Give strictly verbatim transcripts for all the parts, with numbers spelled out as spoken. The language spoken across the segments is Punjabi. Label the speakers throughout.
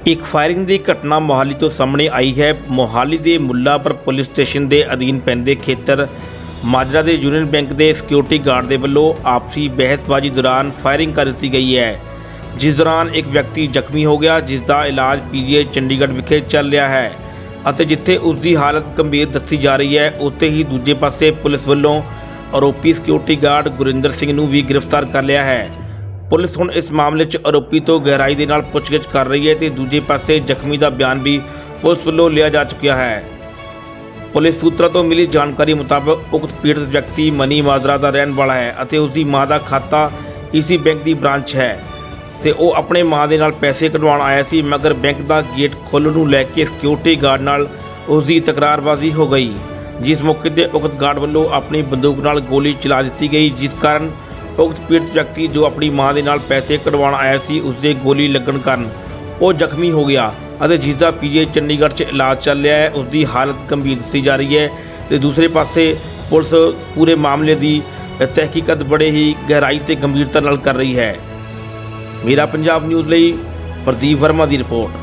Speaker 1: ਇੱਕ ਫਾਇਰਿੰਗ ਦੀ ਘਟਨਾ ਮੋਹਾਲੀ ਤੋਂ ਸਾਹਮਣੇ ਆਈ ਹੈ। ਮੋਹਾਲੀ ਦੇ ਮੁੱਲਾਪੁਰ ਪੁਲਿਸ ਸਟੇਸ਼ਨ ਦੇ ਅਧੀਨ ਪੈਂਦੇ ਖੇਤਰ ਮਾਜਰਾ ਦੇ ਯੂਨੀਅਨ ਬੈਂਕ ਦੇ ਸਿਕਿਉਰਿਟੀ ਗਾਰਡ ਦੇ ਵੱਲੋਂ ਆਪਸੀ ਬਹਿਸਬਾਜ਼ੀ ਦੌਰਾਨ ਫਾਇਰਿੰਗ ਕਰ ਦਿੱਤੀ ਗਈ ਹੈ, ਜਿਸ ਦੌਰਾਨ ਇੱਕ ਵਿਅਕਤੀ ਜ਼ਖਮੀ ਹੋ ਗਿਆ, ਜਿਸ ਦਾ ਇਲਾਜ ਪੀਜੀਆਈ ਚੰਡੀਗੜ੍ਹ ਵਿਖੇ ਚੱਲ ਰਿਹਾ ਹੈ ਅਤੇ ਜਿੱਥੇ ਉਸ ਦੀ ਹਾਲਤ ਗੰਭੀਰ ਦੱਸੀ ਜਾ ਰਹੀ ਹੈ, ਉੱਥੇ ਹੀ ਦੂਜੇ ਪਾਸੇ ਪੁਲਿਸ ਵੱਲੋਂ ਆਰੋਪੀ ਸਿਕਿਉਰਿਟੀ ਗਾਰਡ ਗੁਰਿੰਦਰ ਸਿੰਘ ਨੂੰ ਵੀ ਗ੍ਰਿਫਤਾਰ ਕਰ ਲਿਆ ਹੈ। ਪੁਲਿਸ ਹੁਣ ਇਸ ਮਾਮਲੇ 'ਚ ਆਰੋਪੀ ਤੋਂ ਗਹਿਰਾਈ ਦੇ ਨਾਲ ਪੁੱਛਗਿੱਛ ਕਰ ਰਹੀ ਹੈ ਤੇ ਦੂਜੇ ਪਾਸੇ ਜ਼ਖਮੀ ਦਾ ਬਿਆਨ ਵੀ ਪੁਲਿਸ ਵੱਲੋਂ ਲਿਆ ਜਾ ਚੁੱਕਿਆ ਹੈ। ਪੁਲਿਸ ਸੂਤਰਾਂ ਤੋਂ ਮਿਲੀ ਜਾਣਕਾਰੀ ਮੁਤਾਬਕ ਉਕਤ ਪੀੜਤ ਵਿਅਕਤੀ ਮਨੀ ਮਾਜਰਾ ਦਾ ਰਹਿਣ ਵਾਲਾ ਹੈ ਅਤੇ ਉਸ ਦੀ ਮਾਂ ਦਾ ਖਾਤਾ ਇਸੀ ਬੈਂਕ ਦੀ ਬ੍ਰਾਂਚ ਹੈ ਤੇ ਉਹ ਆਪਣੇ ਮਾਂ ਦੇ ਨਾਲ ਪੈਸੇ ਕਢਵਾਉਣ ਆਇਆ ਸੀ, ਮਗਰ ਬੈਂਕ ਦਾ ਗੇਟ ਖੋਲ੍ਹਣ ਨੂੰ ਲੈ ਕੇ ਸਿਕਿਉਰਿਟੀ ਗਾਰਡ ਨਾਲ ਉਸ ਦੀ ਤਕਰਾਰਬਾਜ਼ੀ ਹੋ ਗਈ, ਜਿਸ ਮੌਕੇ ਤੇ ਉਕਤ ਗਾਰਡ ਵੱਲੋਂ ਆਪਣੀ ਬੰਦੂਕ ਨਾਲ ਗੋਲੀ ਚਲਾ ਦਿੱਤੀ ਗਈ, ਜਿਸ ਕਾਰਨ ਉਕਤ ਪੀੜਤ ਵਿਅਕਤੀ ਜੋ ਆਪਣੀ ਮਾਂ ਦੇ ਨਾਲ ਪੈਸੇ ਕਢਵਾਉਣ ਆਇਆ ਸੀ, ਉਸ ਦੇ ਗੋਲੀ ਲੱਗਣ ਕਾਰਨ ਉਹ ਜ਼ਖਮੀ ਹੋ ਗਿਆ ਅਤੇ ਜਿਸ ਦਾ ਪੀਜੀਆਈ ਚੰਡੀਗੜ੍ਹ 'ਚ ਇਲਾਜ ਚੱਲ ਰਿਹਾ ਹੈ। ਉਸ ਦੀ ਹਾਲਤ ਗੰਭੀਰ ਦੱਸੀ ਜਾ ਰਹੀ ਹੈ ਤੇ ਦੂਸਰੇ ਪਾਸੇ ਪੁਲਿਸ ਪੂਰੇ ਮਾਮਲੇ ਦੀ ਤਹਿਕੀਕਤ ਬੜੇ ਹੀ ਗਹਿਰਾਈ ਤੇ ਗੰਭੀਰਤਾ ਨਾਲ ਕਰ ਰਹੀ ਹੈ। ਮੇਰਾ ਪੰਜਾਬ ਨਿਊਜ਼ ਲਈ ਪ੍ਰਦੀਪ ਵਰਮਾ ਦੀ ਰਿਪੋਰਟ।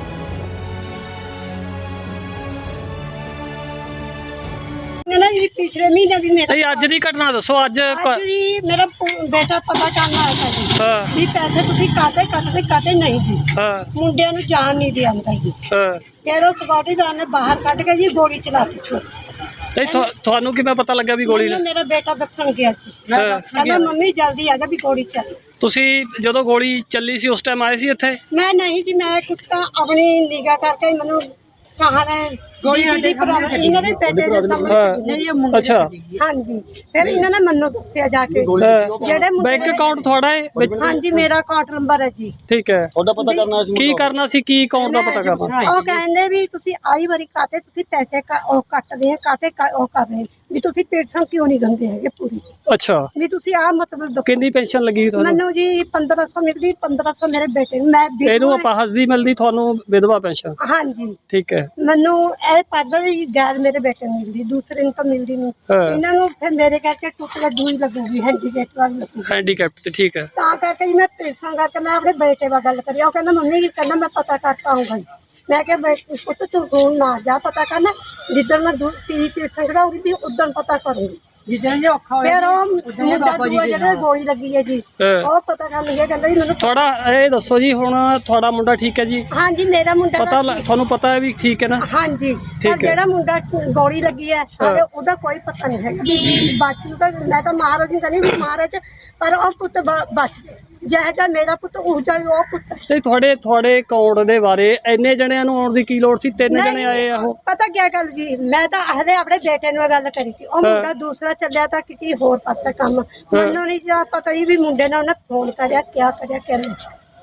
Speaker 2: पिछले महीने भी मेरा
Speaker 3: अज की घटना दसो। अज
Speaker 2: आज भी मेरा बेटा पता करना आया था जी
Speaker 3: हाँ।
Speaker 2: भी पैसे तुसी काटे कटते काटे नहीं जी
Speaker 3: हाँ।
Speaker 2: मुंडिया नूं जान नहीं दिया अंदर जी
Speaker 3: हाँ।
Speaker 2: फिर उस बॉडीगार्ड ने बाहर कट के जी गोली चलाती छोड़
Speaker 3: नहीं थो, थानू किवें पता लगा भी गोली
Speaker 2: मैंने मेरा बेटा दसन गया जी
Speaker 3: हाँ।
Speaker 2: कहना मम्मी जल्दी आ जा भी गोली चली।
Speaker 3: तुसी जदों गोली चली सी उस टाइम आए सी इत्थे?
Speaker 2: मैं नहीं जी मैं कुछ तो अपनी निगाह करके मैनू कहा ने गोली इन्होंने बेटे दे सामने
Speaker 3: अच्छा
Speaker 2: हाँ जी फिर इन्होंने मनु दस्सिया जाके जेड़े
Speaker 3: बैंक अकाउंट थोड़ा है?
Speaker 2: हाँ जी मेरा अकाउंट नंबर है जी।
Speaker 3: ठीक है
Speaker 4: थोड़ा पता करना
Speaker 3: की करना सी की अकाउंट दा पता करना
Speaker 2: ਉਹ ਕਹਿੰਦੇ ਵੀ ਤੁਸੀਂ ਆਈ ਵਾਰੀ ਕਾਤੇ ਤੁਸੀਂ ਪੈਸੇ ਕ- ਉਹ ਕੱਟਦੇ ਆ ਕਾਤੇ ਕ- ਉਹ ਕਰ ਰਹੇ ਵੀ ਤੁਸੀਂ ਪੈਨਸ਼ਨ ਕਿਉਂ ਨਹੀਂ ਦਿੰਦੇ ਹੈਗੇ ਪੂਰੀ
Speaker 3: अच्छा
Speaker 2: ਵੀ ਤੁਸੀਂ ਆ ਮਤਲਬ ਦੱਸੋ।
Speaker 3: किन्नी पेंशन लगी थानू?
Speaker 2: ਮੈਨੂੰ ਜੀ ਪੰਦਰਾਂ ਸੌ ਮਿਲਦੀ ਪੰਦਰਾਂ ਸੌ ਮੇਰੇ ਬੇਟੇ ਨੂੰ ਮੈਂ ਵਿਧਵਾ
Speaker 3: ਇਹਨੂੰ ਅਪਾਹਜ ਦੀ ਮਿਲਦੀ ਤੁਹਾਨੂੰ ਵਿਧਵਾ ਪੈਨਸ਼ਨ?
Speaker 2: ਹਾਂ ਜੀ
Speaker 3: ਠੀਕ ਹੈ।
Speaker 2: ਮੈਨੂੰ ਇਹ ਪੜਦਾ ਵੀ ਗੈਰ ਮੇਰੇ ਬੇਟੇ ਨੂੰ ਮਿਲਦੀ ਦੂਸਰੇ ਨੂੰ ਤਾਂ ਮਿਲਦੀ ਨਹੀਂ
Speaker 3: ਹਾਂ।
Speaker 2: ਇਹਨਾਂ ਨੂੰ ਫਿਰ ਮੇਰੇ ਕਰਕੇ ਟੁੱਟ ਕੇ ਦੂਈ ਲੱਗੂਗੀ ਹੈਂਡੀਕੈਪ ਵਾਲੀ ਲੱਗੂਗੀ
Speaker 3: हैंडीकैप ਤੇ ਠੀਕ ਹੈ।
Speaker 2: ਤਾਂ ਕਰਕੇ ਜੀ ਮੈਂ ਪੈਸਾ ਕਰਕੇ ਮੈਂ ਆਪਣੇ ਬੇਟੇ ਨਾਲ ਗੱਲ ਕਰੀ। ਉਹ ਕਹਿੰਦਾ ਮੰਮੀ ਜੀ ਕਹਿੰਦਾ ਮੈਂ ਪਤਾ ਕਰਤਾ ਆਊਂਗਾ ਜੀ। ਮੈਂ ਕਿਹਾ ਬੇ- ਪੁੱਤ ਤੂੰ ਹੁਣ ਨਾ ਜਾ ਪਤਾ ਕਰਨਾ, ਜਿੱਦਣ ਮੈਂ ਦੂ ਤੀਹ ਪੈਸਾ ਕਢਾਉਂਗੀ ਵੀ ਉਦੋਂ ਪਤਾ ਕਰੂੰਗੀ ਜਿੱਦਣ ਜੇ ਔਖਾ ਹੋਇਆ। ਫਿਰ ਉਹ ਮੁੰਡਾ ਦੂਆ ਜਿਹੜਾ ਗੋਲੀ ਲੱਗੀ ਹੈ ਜੀ
Speaker 3: ਹਾਂ।
Speaker 2: ਉਹ ਪਤਾ ਕਰਨ ਲੱਗਿਆ ਕਹਿੰਦਾ ਜੀ ਮੈਨੂੰ
Speaker 3: ਥੋੜਾ ਇਹ ਦੱਸੋ ਜੀ ਹੁਣ ਤੁਹਾਡਾ ਮੁੰਡਾ ਠੀਕ ਹੈ ਜੀ?
Speaker 2: ਹਾਂ ਜੀ ਮੇਰਾ ਮੁੰਡਾ
Speaker 3: ਪਤਾ ਲ- ਤੁਹਾਨੂੰ ਪਤਾ ਹੈ ਵੀ ਠੀਕ ਹੈ ਨਾ?
Speaker 2: ਹਾਂ ਜੀ
Speaker 3: ਠੀਕ
Speaker 2: ਪਰ
Speaker 3: ਹੈ।
Speaker 2: ਜਿਹੜਾ ਮੁੰਡਾ ਗੋਲੀ ਲੱਗੀ ਹੈ ਸਾਡੇ ਉਹਦਾ ਕੋਈ ਪਤਾ ਨਹੀਂ ਹੈਗਾ ਵੀ ਬਚ ਨੂੰ ਤਾਂ ਮੈਂ ਤਾਂ ਮਹਾਰਾਜ ਨੂੰ ਕਹਿੰਦੀ ਵੀ ਮਹਾਰਾਜ ਪਰ ਉਹ ਪੁੱਤ ਬ- ਬਚ ਜਿਹੋ ਜਿਹਾ ਮੇਰਾ ਪੁੱਤ ਉਹ ਜਿਹਾ ਹੀ ਉਹ ਪੁੱਤ।
Speaker 3: ਤੇ ਤੁਹਾਡੇ ਤੁਹਾਡੇ ਅਕਾਊਂਟ ਦੇ ਬਾਰੇ ਇੰਨੇ ਜਣਿਆਂ ਨੂੰ ਆਉਣ ਦੀ ਕੀ ਲੋੜ ਸੀ? ਤਿੰਨ ਜਣੇ ਆਏ ਆ ਉਹ।
Speaker 2: ਪਤਾ ਕੀ ਗੱਲ ਜੀ ਮੈਂ ਤਾਂ ਹਲੇ ਆਪਣੇ ਬੇਟੇ ਨੂੰ ਇਹ ਗੱਲ ਕਰੀ ਸੀ। ਉਹ ਮੁੰਡਾ ਦੂਸਰਾ ਚੱਲਿਆ ਤਾਂ ਕਿਤੇ ਹੋਰ ਪਾਸੇ ਕੰਮ ਮੈਨੂੰ ਨਹੀਂ ਜਾ ਪਤਾ ਹੀ ਵੀ ਮੁੰਡੇ ਨੇ ਉਹਨੇ ਫੋਨ ਕਰਿਆ ਕਿਆ ਕਰਿਆ ਕਿਵੇਂ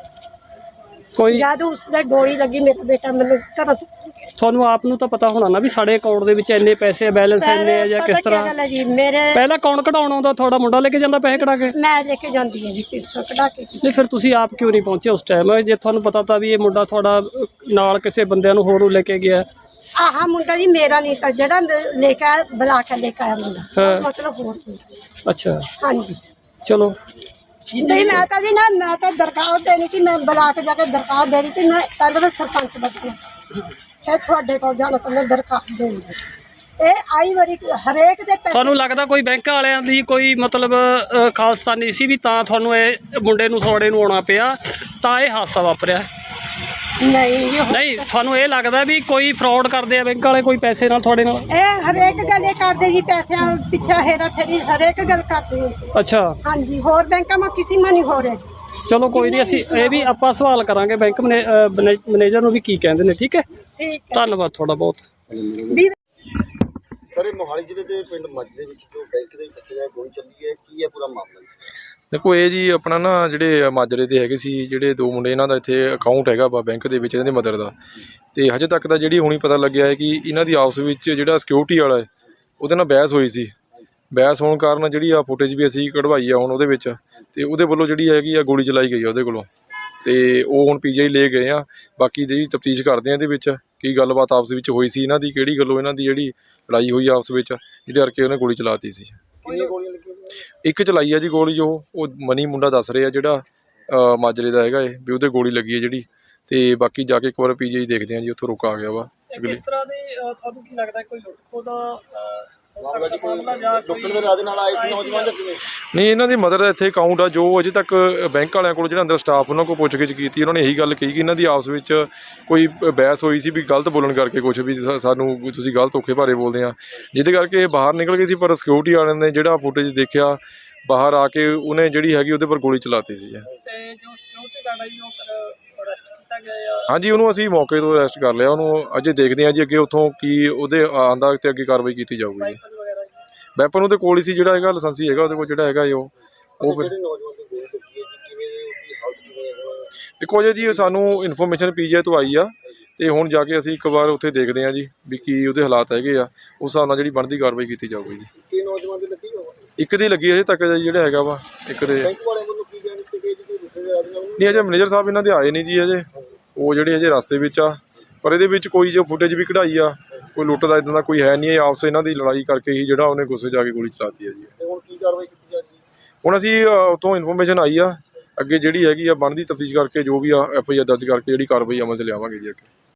Speaker 3: ਕੋਈ
Speaker 2: ਜਦ ਉਸਦੇ ਗੋਲੀ ਲੱਗੀ ਮੇਰਾ ਬੇਟਾ ਮੈਨੂੰ ਘਰੋਂ ਦੱਸਣ ਗਿਆ।
Speaker 3: ਤੁਹਾਨੂੰ ਆਪ ਨੂੰ ਤਾਂ ਪਤਾ ਹੋਣਾ ਨਾ ਵੀ ਸਾਡੇ ਅਕਾਊਂਟ ਦੇ ਵਿੱਚ ਇੰਨੇ ਪੈਸੇ ਬੈਲੈਂਸ ਇੰਨੇ ਆ ਜਾਂ ਕਿਸ
Speaker 2: ਪਤਾ
Speaker 3: ਤਰ੍ਹਾਂ?
Speaker 2: ਕੀ ਗੱਲ ਹੈ ਜੀ ਮੇਰੇ
Speaker 3: ਪਹਿਲਾਂ ਕੌਣ ਕਢਾਉਣ ਆਉਂਦਾ? ਤੁਹਾਡਾ ਮੁੰਡਾ ਲੈ ਕੇ ਜਾਂਦਾ ਪੈਸੇ ਕਢਾ ਕੇ?
Speaker 2: ਮੈਂ ਲੈ ਕੇ ਜਾਂਦੀ ਹਾਂ ਜੀ ਪੈਸਾ ਕਢਾ ਕੇ ਜੀ।
Speaker 3: ਨਹੀਂ ਫਿਰ ਤੁਸੀਂ ਆਪ ਕਿਉਂ ਨਹੀਂ ਪਹੁੰਚੇ ਉਸ ਟਾਈਮ ਜੇ ਤੁਹਾਨੂੰ ਪਤਾ ਤਾਂ ਵੀ ਇਹ ਮੁੰਡਾ ਤੁਹਾਡਾ ਨਾਲ ਕਿਸੇ ਬੰਦਿਆਂ ਨੂੰ ਹੋਰ ਨੂੰ ਲੈ ਕੇ ਗਿਆ?
Speaker 2: ਆਹ ਮੁੰਡਾ ਜੀ ਮੇਰਾ ਨਹੀਂ ਤਾਂ ਜਿਹੜਾ ਲੈ ਕੇ ਆਇਆ ਬੁਲਾ ਕੇ ਲੈ ਕੇ ਆਇਆ ਮੁੰਡਾ
Speaker 3: ਹਾਂ।
Speaker 2: ਮਤਲਬ ਹੋਰ ਸੀ।
Speaker 3: ਅੱਛਾ
Speaker 2: ਹਾਂਜੀ
Speaker 3: ਚਲੋ
Speaker 2: ਨਹੀਂ ਮੈਂ ਤਾਂ ਜੀ ਨਾ ਮੈਂ ਤਾਂ ਦਰਖਾਸਤ ਦੇਣੀ ਸੀ। ਮੈਂ ਬੁਲਾ ਕੇ ਜਾ ਕੇ ਦਰਖਾਸਤ ਦੇਣੀ ਸੀ। ਮੈਂ ਪਹਿਲਾਂ ਤਾਂ ਸਰਪੰਚ ਬਚਣਾ ਫਿਰ ਤੁਹਾਡੇ ਕੋਲ ਜਾਣਾ ਤਾਂ ਮੈਂ ਦਰਖਾਸਤ ਦੇਣੀ ਸੀ। ਇਹ ਆਈ ਵਾਰੀ ਹਰੇਕ ਦੇ ਪੈਸੇ
Speaker 3: ਤੁਹਾਨੂੰ ਲੱਗਦਾ ਕੋਈ ਬੈਂਕ ਵਾਲਿਆਂ ਦੀ ਕੋਈ ਮਤਲਬ ਅ, ਖਾਲਸਤਾਨੀ ਸੀ ਵੀ ਤਾਂ ਤੁਹਾਨੂੰ ਇਹ ਮੁੰਡੇ ਨੂੰ ਥੋੜੇ ਨੂੰ ਆਉਣਾ ਪਿਆ ਤਾਂ ਇਹ ਹਾਦਸਾ ਵਾਪਰਿਆ?
Speaker 2: ਨਹੀਂ ਜੀ,
Speaker 3: ਨਹੀਂ ਤੁਹਾਨੂੰ ਇਹ ਲੱਗਦਾ ਵੀ ਕੋਈ ਫਰਾਡ ਕਰਦੇ ਆ ਬੈਂਕ ਵਾਲੇ ਕੋਈ ਪੈਸੇ ਨਾਲ ਤੁਹਾਡੇ ਨਾਲ?
Speaker 2: ਇਹ ਹਰੇਕ ਗੱਲ ਇਹ ਕਰਦੇ ਜੀ ਪੈਸਿਆਂ ਪਿੱਛੇ ਹੇਰਾ ਫੇਰੀ ਹਰੇਕ ਗੱਲ ਕਰਦੇ ਆ।
Speaker 3: ਅੱਛਾ
Speaker 2: ਹਾਂਜੀ ਹੋਰ ਬੈਂਕਾਂ ਮਾ ਕਿਸੇ ਮਾ ਨਹੀਂ ਹੋ ਰਿਹਾ।
Speaker 3: ਚਲੋ ਕੋਈ ਨਹੀਂ ਅਸੀਂ ਇਹ ਵੀ ਆਪਾਂ ਸਵਾਲ ਕਰਾਂਗੇ ਬੈਂਕ ਮੈਨੇ- ਅ, ਮੈਨੇ- ਮੈਨੇਜਰ ਨੂੰ ਵੀ ਕੀ ਕਹਿੰਦੇ ਨੇ। ਠੀਕ ਹੈ
Speaker 2: ਠੀਕ ਹੈ
Speaker 3: ਧੰਨਵਾਦ ਤੁਹਾਡਾ ਬਹੁਤ।
Speaker 2: ਵੀ
Speaker 4: ਸਰ ਇਹ ਮੋਹਾਲੀ ਜ਼ਿਲ੍ਹੇ ਦੇ ਪਿੰਡ ਮਾਜਰੇ ਵਿੱਚ ਜੋ ਬੈਂਕ ਦੇ ਵਿੱਚ ਦੱਸਿਆ ਗਿਆ ਗੋਲੀ ਚੱਲੀ ਹੈ, ਕੀ ਹੈ ਪੂਰਾ ਮਾਮਲਾ?
Speaker 5: देखो ये जी अपना ना ਜਿਹੜੇ ਮਾਜਰੇ ਦੇ ਹੈਗੇ ਸੀ ਜਿਹੜੇ ਦੋ ਮੁੰਡੇ ਇਹਨਾਂ ਦਾ ਇੱਥੇ ਅਕਾਊਂਟ ਹੈਗਾ ਵਾ ਬੈਂਕ ਦੇ ਵਿੱਚ ਇਹਨਾਂ ਦੇ ਮਦਰ ਦਾ, ਤੇ ਹਜੇ ਤੱਕ ਤਾਂ ਜਿਹੜੀ ਹੁਣੀ ਪਤਾ ਲੱਗਿਆ ਹੈ ਕਿ ਇਹਨਾਂ ਦੀ ਆਪਸ ਵਿੱਚ ਜਿਹੜਾ ਸਿਕਿਉਰਿਟੀ ਵਾਲਾ ਹੈ ਉਹਦੇ ਨਾਲ ਬਹਿਸ ਹੋਈ ਸੀ। ਬਹਿਸ ਹੋਣ ਕਾਰਨ ਜਿਹੜੀ ਆ ਫੁਟੇਜ ਵੀ ਅਸੀਂ ਕਢਵਾਈ ਆ ਹੁਣ ਉਹਦੇ ਵਿੱਚ, ਤੇ ਉਹਦੇ ਵੱਲੋਂ ਜਿਹੜੀ ਹੈਗੀ ਆ ਗੋਲੀ ਚਲਾਈ ਗਈ ਆ ਉਹਦੇ ਕੋਲੋਂ, ਤੇ ਉਹ ਹੁਣ ਪੀਜੀਆਈ ਲੈ ਗਏ ਆ। ਬਾਕੀ ਦੀ ਤਫਤੀਸ਼ ਕਰਦੇ ਆ ਇਹਦੇ ਵਿੱਚ ਕੀ ਗੱਲਬਾਤ ਆਪਸ ਵਿੱਚ ਹੋਈ ਸੀ ਇਹਨਾਂ ਦੀ, ਕਿਹੜੀ ਗੱਲੋਂ ਇਹਨਾਂ ਦੀ ਜਿਹੜੀ ਲੜਾਈ ਹੋਈ ਆਪਸ ਵਿੱਚ ਜਿਹਦੇ ਕਰਕੇ ਉਹਨੇ ਗੋਲੀ ਚਲਾਤੀ ਸੀ।
Speaker 4: ਕਿੰਨੀਆਂ ਗੋਲੀਆਂ ਲੱਗੀਆਂ?
Speaker 5: ਇੱਕ ਚਲਾਈ ਆ ਜੀ ਗੋਲੀ, ਉਹ ਉਹ ਮਨੀ ਮੁੰਡਾ ਦੱਸ ਰਿਹਾ ਜਿਹੜਾ ਮਾਜਰੇ ਦਾ ਹੈਗਾ ਇਹ ਵੀ ਉਹਦੇ ਗੋਲੀ ਲੱਗੀ ਹੈ ਜਿਹੜੀ, ਤੇ ਬਾਕੀ ਜਾ ਕੇ ਇੱਕ ਵਾਰ ਪੀਜੀਆਈ ਦੇਖਦੇ ਹਾਂ ਜੀ, ਉੱਥੋਂ ਰੁਕ ਆ ਗਿਆ ਵਾ।
Speaker 3: ਇਹ ਕਿਸ ਤਰ੍ਹਾਂ ਦੀ ਅ, ਤੁਹਾਨੂੰ ਕੀ ਲੱਗਦਾ ਕੋਈ ਲੁੱਟ ਖੋਹ ਦਾ ਅ, ਹੋ
Speaker 4: ਮਾਮਲਾ ਜੀ
Speaker 3: ਸਕਦਾ
Speaker 4: ਕੋਈ
Speaker 3: ਮਾਮਲਾ ਜਾਂ ਕੋਈ
Speaker 4: ਲੁੱਟਣ ਦੇ ਇਰਾਦੇ ਨਾਲ ਆਏ ਸੀ ਨੌਜਵਾਨ ਜਾਂ ਕਿਵੇਂ?
Speaker 5: ਨਹੀਂ, ਇਹਨਾਂ ਦੀ ਮਦਰ ਦਾ ਇੱਥੇ ਅਕਾਊਂਟ ਆ, ਜੋ ਅਜੇ ਤੱਕ ਬੈਂਕ ਵਾਲਿਆਂ ਕੋਲ ਜਿਹੜਾ ਅੰਦਰ ਸਟਾਫ ਉਹਨਾਂ ਕੋਲ ਪੁੱਛਗਿੱਛ ਕੀਤੀ, ਉਹਨਾਂ ਨੇ ਇਹੀ ਗੱਲ ਕਹੀ ਕਿ ਇਹਨਾਂ ਦੀ ਆਪਸ ਵਿੱਚ ਕੋਈ ਬਹਿਸ ਹੋਈ ਸੀ ਵੀ ਗਲਤ ਬੋਲਣ ਕਰਕੇ, ਕੁਛ ਵੀ ਸਾ- ਸਾਨੂੰ ਵੀ ਤੁਸੀਂ ਗਲਤ ਧੋਖੇ ਭਾਰੇ ਬੋਲਦੇ ਆ, ਜਿਹਦੇ ਕਰਕੇ ਇਹ ਬਾਹਰ ਨਿਕਲ ਗਏ ਸੀ। ਪਰ ਸਿਕਿਉਰਿਟੀ ਵਾਲਿਆਂ ਨੇ ਜਿਹੜਾ ਫੁਟੇਜ ਦੇਖਿਆ ਬਾਹਰ ਆ ਕੇ, ਉਹਨੇ ਜਿਹੜੀ ਹੈਗੀ ਉਹਦੇ ਪਰ ਗੋਲੀ ਚਲਾਤੀ ਸੀ।
Speaker 3: ਤੇ ਜੋ ਸਿਕਿਉਰਿਟੀ ਗਾਰਡ ਹੈ ਜੀ ਉਹ ਫਿਰ ਅਰੈਸਟ ਕੀਤਾ ਗਿਆ ਜਾਂ
Speaker 5: ਹਾਂਜੀ, ਉਹਨੂੰ ਅਸੀਂ ਮੌਕੇ ਤੋਂ ਅਰੈਸਟ ਕਰ ਲਿਆ। ਉਹਨੂੰ ਅਜੇ ਦੇਖਦੇ ਹਾਂ ਜੀ ਅੱਗੇ ਉੱਥੋਂ ਕੀ ਉਹਦੇ ਆਂਦਾ ਤੇ ਅੱਗੇ ਕਾਰਵਾਈ ਕੀਤੀ ਜਾਊਗੀ ਜੀ।
Speaker 3: ਵੈਪਨ ਵਗੈਰਾ ਜੀ?
Speaker 5: ਵੈਪਨ ਉਹਦੇ ਕੋਲ ਹੀ ਸੀ, ਜਿਹੜਾ ਹੈਗਾ ਲਾਇਸੈਂਸੀ ਹੈਗਾ ਉਹਦੇ ਕੋਲ, ਜਿਹੜਾ ਹੈਗਾ ਉਹ ਉਹ ਫਿਰ
Speaker 4: ਜਿਹੜੇ ਨੌਜਵਾਨ ਦੀ ਗੋਲੀ ਲੱਗੀ ਹੈ ਜੀ, ਕਿਵੇਂ ਉਹਦੀ ਹਾਲਤ ਕਿਵੇਂ ਹੈ ਹੁਣ?
Speaker 5: ਦੇਖੋ ਜੀ ਜੀ ਸਾਨੂੰ ਇਨਫੋਰਮੇਸ਼ਨ ਪੀਜੀਆਈ ਤੋਂ ਆਈ ਆ, ਤੇ ਹੁਣ ਜਾ ਕੇ ਅਸੀਂ ਇੱਕ ਵਾਰ ਉੱਥੇ ਦੇਖਦੇ ਹਾਂ ਜੀ ਵੀ ਕੀ ਉਹਦੇ ਹਾਲਾਤ ਹੈਗੇ ਆ, ਉਸ ਹਿਸਾਬ ਨਾਲ ਜਿਹੜੀ ਬਣਦੀ ਕਾਰਵਾਈ ਕੀਤੀ ਜਾਊਗੀ ਜੀ।
Speaker 4: ਕਿ ਨੌਜਵਾਨ ਦੀ ਲੱਗੀ ਹੋਵੇ?
Speaker 5: ਇੱਕ ਦੀ ਲੱਗੀ ਅਜੇ ਤੱਕ ਜਿਹੜਾ ਹੈਗਾ ਵਾ, ਇੱਕ ਦੇ
Speaker 4: ਬੈਂਕ ਵਾਲਿਆਂ ਵੱਲੋਂ ਕੀ ਬਿਆਨ ਦਿੱਤੇ ਗਏ ਜੀ, ਕੋਈ ਲੁੱਟਣ ਦੇ ਇਰਾਦੇ ਨਾਲ?
Speaker 5: ਨਹੀਂ, ਅਜੇ ਮੈਨੇਜਰ ਸਾਹਿਬ ਇਹਨਾਂ ਦੇ ਆਏ ਨਹੀਂ ਜੀ ਅਜੇ, ਉਹ ਜਿਹੜੇ ਅਜੇ ਰਸਤੇ ਵਿੱਚ ਆ। ਪਰ ਇਹਦੇ ਵਿੱਚ ਕੋਈ ਜੋ ਫੁਟੇਜ ਵੀ ਕਢਾਈ ਆ, ਕੋਈ ਲੁੱਟ ਦਾ ਇੱਦਾਂ ਦਾ ਕੋਈ ਹੈ ਨਹੀਂ। ਇਹ ਆਪਸ ਇਹਨਾਂ ਦੀ ਲੜਾਈ ਕਰਕੇ ਹੀ ਜਿਹੜਾ ਉਹਨੇ ਗੁੱਸੇ ਜਾ ਕੇ ਗੋਲੀ ਚਲਾਤੀ ਹੈ ਜੀ।
Speaker 4: ਤੇ ਹੁਣ ਕੀ ਕਾਰਵਾਈ ਕੀਤੀ ਜਾ ਰਹੀ ਹੈ?
Speaker 5: ਹੁਣ ਅਸੀਂ ਅ, ਉੱਥੋਂ ਇਨਫੋਰਮੇਸ਼ਨ ਆਈ ਆ, ਅੱਗੇ ਜਿਹੜੀ ਹੈਗੀ ਆ ਬਣਦੀ ਤਫਤੀਸ਼ ਕਰਕੇ ਜੋ ਵੀ ਆ ਐਫ ਆਈ ਆਰ ਦਰਜ ਕਰਕੇ ਜਿਹੜੀ ਕਾਰਵਾਈ ਅਮਲ 'ਚ ਲਿਆਵਾਂਗੇ ਜੀ ਅੱਗੇ।